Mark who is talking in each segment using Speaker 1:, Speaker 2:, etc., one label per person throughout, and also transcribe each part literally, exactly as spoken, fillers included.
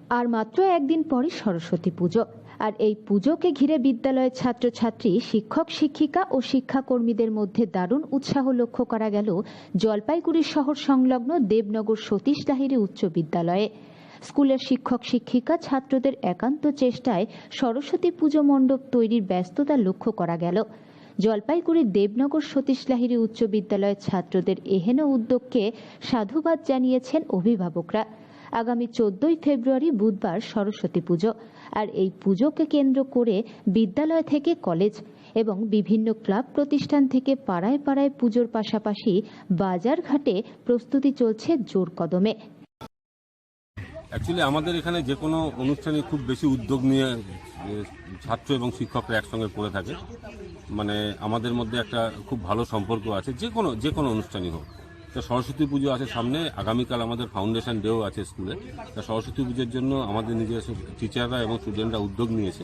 Speaker 1: আর মাত্র একদিন পরে সরস্বতী পুজো। আর এই পুজোকে ঘিরে বিদ্যালয়ের ছাত্রছাত্রী, শিক্ষক শিক্ষিকা ও শিক্ষাকর্মীদের মধ্যে দারুণ উৎসাহ লক্ষ্য করা গেল জলপাইগুড়ি শহর সংলগ্ন দেবনগর সতীশ লাহিড়ী উচ্চ বিদ্যালয়ে। স্কুলের শিক্ষক শিক্ষিকা ছাত্রদের একান্ত চেষ্টায় সরস্বতী পুজো মণ্ডপ তৈরির ব্যস্ততা লক্ষ্য করা গেল। জলপাইগুড়ির দেবনগর সতীশ লাহিড়ী উচ্চ বিদ্যালয়ের ছাত্রদের এহেন উদ্যোগকে সাধুবাদ জানিয়েছেন অভিভাবকরা। আগামী চোদ্দই ফেব্রুয়ারি বুধবার সরস্বতী পুজো, আর এই পুজোকে কেন্দ্র করে বিদ্যালয় থেকে কলেজ এবং বিভিন্ন ক্লাব প্রতিষ্ঠান থেকে পাড়ায় পাড়ায় পুজোর পাশাপাশি বাজার ঘাটে প্রস্তুতি চলছে জোর কদমে।
Speaker 2: অ্যাকচুয়ালি আমাদের এখানে যে কোনো অনুষ্ঠানে খুব বেশি উদ্যোগ নিয়ে ছাত্র এবং শিক্ষকরা একসঙ্গে করে থাকে। মানে আমাদের মধ্যে একটা খুব ভালো সম্পর্ক আছে, যে কোনো যে কোনো অনুষ্ঠানই হোক। তা সরস্বতী পুজো আছে সামনে, আগামীকাল আমাদের ফাউন্ডেশন ডেও আছে স্কুলে। তা সরস্বতী পুজোর জন্য আমাদের নিজস্ব টিচাররা এবং স্টুডেন্টরা উদ্যোগ নিয়েছে।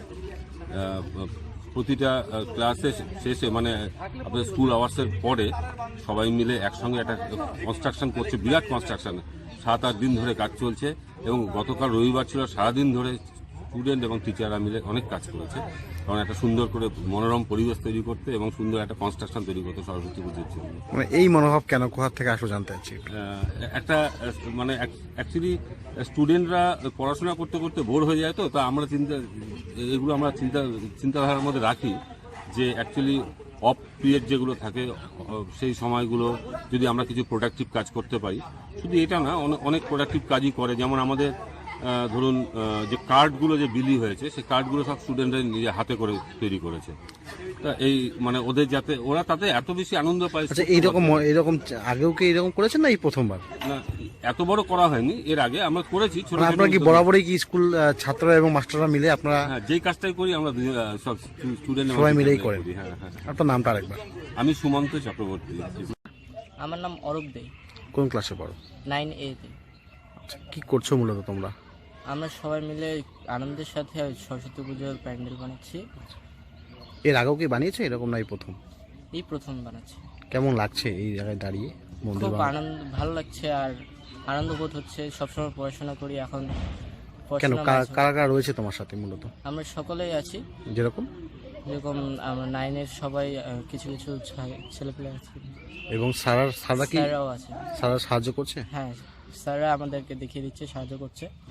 Speaker 2: প্রতিটা ক্লাসে শেষে মানে আপনাদের স্কুল আওয়ার্সের পরে সবাই মিলে একসঙ্গে একটা কনস্ট্রাকশন করছে, বিরাট কনস্ট্রাকশন। সাত আট দিন ধরে কাজ চলছে এবং গতকাল রবিবার ছিল, সারাদিন ধরে স্টুডেন্ট এবং টিচাররা মিলে অনেক কাজ করেছে, কারণ একটা সুন্দর করে মনোরম পরিবেশ তৈরি করতে এবং সুন্দর একটা কনস্ট্রাকশন তৈরি করতে সরস্বতী পুজোর জন্য।
Speaker 3: মানে এই মনোভাব কেন, কোথা থেকে আসলে জানতে চাচ্ছি।
Speaker 2: একটা মানে অ্যাকচুয়ালি স্টুডেন্টরা পড়াশোনা করতে করতে বোর হয়ে যায়, তো তা আমরা চিন্তা এগুলো আমরা চিন্তা চিন্তাধারার মধ্যে রাখি যে অ্যাকচুয়ালি অফ পিরিয়ড যেগুলো থাকে সেই সময়গুলো যদি আমরা কিছু প্রোডাক্টিভ কাজ করতে পারি। শুধু এটা না, অনেক প্রোডাক্টিভ কাজই করে। যেমন আমাদের ধরুন যে কার্ডগুলো যে বিলি হয়েছে, সেই কার্ডগুলো সব স্টুডেন্টরা নিজে হাতে করে তৈরি করেছে। তা এই মানে ওদের যাতে ওরা তাতে এত বেশি আনন্দ পায়।
Speaker 3: আচ্ছা, এইরকম এরকম আগেও কি এরকম করেছেন না এই প্রথমবার?
Speaker 2: না, এত বড় করা হয়নি, এর আগে আমরা করেছি ছোট।
Speaker 3: আপনারা কি বরাবরই কি স্কুল ছাত্ররা এবং মাস্টাররা মিলে আপনারা?
Speaker 2: হ্যাঁ, যেই কাজটাই করি আমরা সব স্টুডেন্ট
Speaker 3: সবাই মিলেই করেন।
Speaker 2: হ্যাঁ হ্যাঁ।
Speaker 3: আপনার নামটা আরেকবার?
Speaker 2: আমি সুমন্ত চক্রবর্তী।
Speaker 4: আমার নাম অরূপ দে।
Speaker 3: কোন ক্লাসে পড়ো?
Speaker 4: নাইন এ তে।
Speaker 3: আচ্ছা, কি করছো মূলত তোমরা?
Speaker 4: আমরা সবাই মিলে আনন্দের সাথে সরস্বতী পুজোর প্যান্ডেল বানাচ্ছি।
Speaker 3: এর আগেও কি বানিয়েছো এরকম, না এই প্রথম?
Speaker 4: এই প্রথম বানাচ্ছি।
Speaker 3: কেমন লাগছে এই জায়গায় দাঁড়িয়ে?
Speaker 4: খুব আনন্দ, ভালো লাগছে আর আনন্দ বোধ হচ্ছে। সবসময় পড়াশোনা করি, এখন
Speaker 3: কেন, কারা কারা রয়েছে তোমার সাথে মূলত?
Speaker 4: আমরা সকলেই আছি।
Speaker 3: যেরকম
Speaker 4: যেরকম আমরা নাইনের সবাই, কিছু কিছু ছেলেপেলে আছে
Speaker 3: এবং স্যার স্যাররা কি
Speaker 4: স্যাররাও আছে।
Speaker 3: স্যাররা সাহায্য করছে?
Speaker 4: হ্যাঁ, স্যাররা আমাদেরকে দেখিয়ে দিচ্ছে, সাহায্য করছে।